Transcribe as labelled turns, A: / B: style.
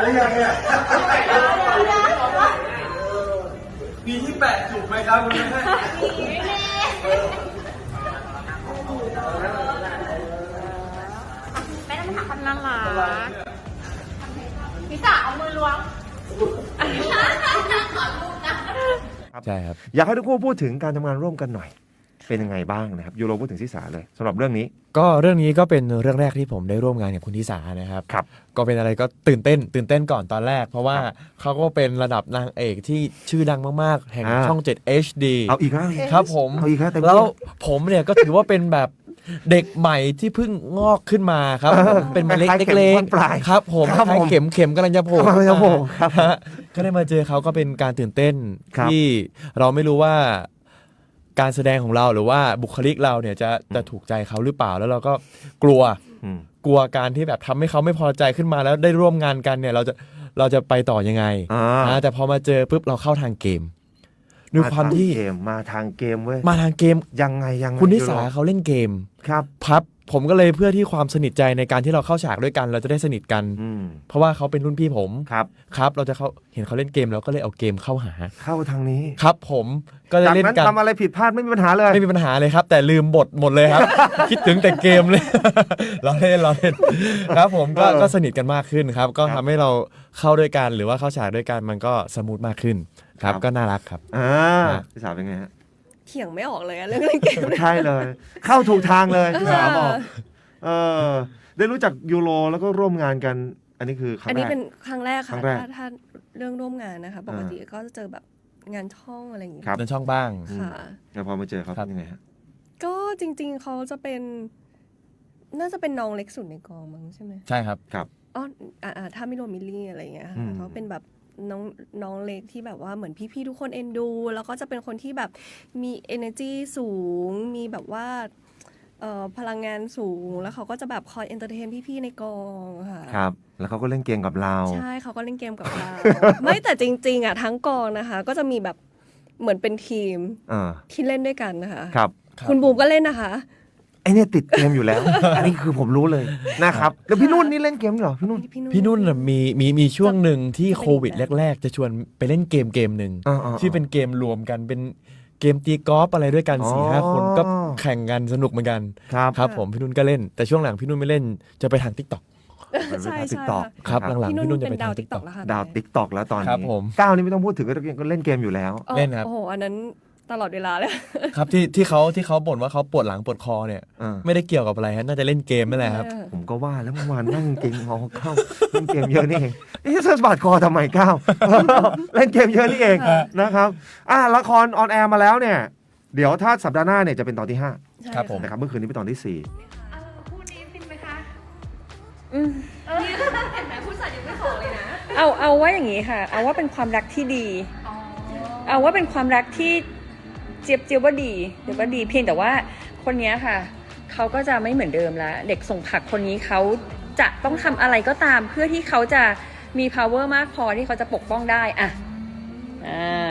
A: หรือยังเนี่ยปีที่8ถูกไหมครับคุณแม่
B: ไม่ต้องถามคนน่ารักพี่จ๋าเอามือล้วง
C: ใช่ครับ
D: อยากให้ทุกคู่พูดถึงการทำงานร่วมกันหน่อยเป็นยังไงบ้างนะครับยูโรพูดถึงทิสาเลยสำหรับเรื่องนี้
C: ก็เรื่องนี้ก็เป็นเรื่องแรกที่ผมได้ร่วมงานกับคุณทิสานะครับ
D: ครับ
C: ก็เป็นอะไรก็ตื่นเต้นก่อนตอนแรก เพราะว่าเขาก็เป็นระดับนางเอกที่ชื่อดังมากๆแห่งช่อง 7 HD
D: เอาอีกแล้ว
C: ครับผม
D: เอาอีกแล้วแต่
C: แล้วผมเนี่ยก็ถือว่าเป็นแบบเด็กใหม่ที่เพิ่งงอกขึ้นมาครับเป็นเมล็ดเล็กๆครับผมคล้ายเข็มกำลังจะโผล่
D: ครับ
C: ก็ได้มาเจอเขาก็เป็นการตื่นเต้นที่เราไม่รู้ว่าการแสดงของเราหรือว่าบุคลิกเราเนี่ยจะถูกใจเขาหรือเปล่าแล้วเราก็กลัวการที่แบบทำให้เขาไม่พอใจขึ้นมาแล้วได้ร่วมงานกันเนี่ยเราจะไปต่อยังไงแต่พอมาเจอปุ๊บเราเข้าทางเกมด้วยความที่
D: มาทางเกมเว้ย
C: มาทางเกม
D: ยังไง
C: คุณนิสาเขาเล่นเกม
D: ครับ
C: ผมก็เลยเพื่อที่ความสนิทใจในการที่เราเข้าฉากด้วยกันเราจะได้สนิทกันเพราะว่าเขาเป็นรุ่นพี่ผมครับเราจะเห็นเขาเล่นเกมแล้วก็เลยเอาเกมเข้าหา
D: เข้าทางนี้
C: ครับผมก็เลยเล่นกัน
D: ทำอะไรผิดพลาดไม่มีปัญหาเลย
C: ไม่มีปัญหาเลยครับแต่ลืมบทหมดเลยครับ คิดถึงแต่เกมเลย เราเล่นครับผมก็สนิทกันมากขึ้นครับก็ทำให้เราเข้าด้วยกันหรือว่าเข้าฉากด้วยกันมันก็สมูทมากขึ้นครับก็น่ารักครับ
D: ทิสาเป็นไงฮะ
B: เถียงไม่ออกเลยอะเรื่องเล่นเกม
D: ใช่เลยเข้าถูกทางเลยทิสาบอกได้รู้จักยูโรแล้วก็ร่วมงานกันอันนี้คือครั้งแรก
B: อันนี้เป็นครั้งแรกค่ะถ้าเรื่องร่วมงานนะคะปกติก็จะเจอแบบงานช่องอะไรอย่างเงี้ย
C: งานช่องบ้าง
B: ค่ะ
D: แล้วพอมาเจอเขาเป็นยังไงฮะ
B: ก็จริงๆเขาจะเป็นน่าจะเป็นน้องเล็กสุดในกองมั้งใช่ไหม
C: ใช่ครับ
B: อ๋อถ้าไม่รวมมิลลี่อะไรอย่างเงี้ยเขาเป็นแบบน้องเล็กที่แบบว่าเหมือนพี่ๆทุกคนเอ็นดูแล้วก็จะเป็นคนที่แบบมี energy สูงมีแบบว่าพลังงานสูงแล้วเขาก็จะแบบคอยเอนเตอร์เทนพี่ๆในกองค่ะ
D: ครับแล้วเขาก็เล่นเกมกับเรา
B: ใช่เขาก็เล่นเกมกับเรา ไม่แต่จริงๆอ่ะทั้งกองนะคะก็จะมีแบบเหมือนเป็นทีมที่เล่นด้วยกันนะคะ
D: ครับ
B: คุณบูมก็เล่นนะคะ
D: ไอเนี่ยติดเกมอยู่แล้ว อันนี้คือผมรู้เลยนะครับแล้วพี่นุ่นนี่เล่นเกมเหรอพี่
C: นุ่นมีช่วงหนึ่งที่โควิดแรกๆจะชวนไปเล่นเกมหนึ่งที่เป็นเกมรวมกันเป็นเกมตีกอล์ฟอะไรด้วยกัน 4-5 คนก็แข่งกันสนุกเหมือนกันครับผมพี่นุ่นก็เล่นแต่ช่วงหลังพี่นุ่นไม่เล่นจะไปทาง TikTok
B: ใช่
C: ครับหลังๆพี่นุ่นจะไปทาง
B: TikTok แล้วค่ะ
D: ดาว TikTok แล้วตอนนี้
C: ก้
D: าวนี่ไม่ต้องพูดถึงก็เล่นเกมอยู่แล้ว
C: เล่นครับ
B: โอ้โหอันนั้นตลอดเวลาเลย
C: ครับที่เขาบ่นว่าเขาปวดหลังปวดคอเนี่ยไม่ได้เกี่ยวกับอะไรฮะน่าจะเล่นเกมนั่นแหละครับ
D: ผมก็ว่าแล้วเมื่อวานนั่งเกมงอเข้าเล่นเกมเยอะนี่เองสะบัดคอทำไมก้าวเล่นเกมเยอะนี่เองนะครับละครออนแอร์มาแล้วเนี่ยเดี๋ยวถ้าสัปดาห์หน้าเนี่ยจะเป็นตอนที่5
C: ครับผม
D: นะครับเมื่อคืนนี้เป็นตอนที่4
B: คู่นี้ฟินไหมคะเห็นไหมผู้จัดยังไม่ขอเลยนะ
E: เอาว่าอย่างนี้ค่ะเอาว่าเป็นความรักที่ดีเอาว่าเป็นความรักที่เจี๊ยบว่าดีเพียงแต่ว่าคนนี้ค่ะเขาก็จะไม่เหมือนเดิมแล้วเด็กส่งผักคนนี้เขาจะต้องทำอะไรก็ตามเพื่อที่เขาจะมี power มากพอที่เขาจะปกป้องได้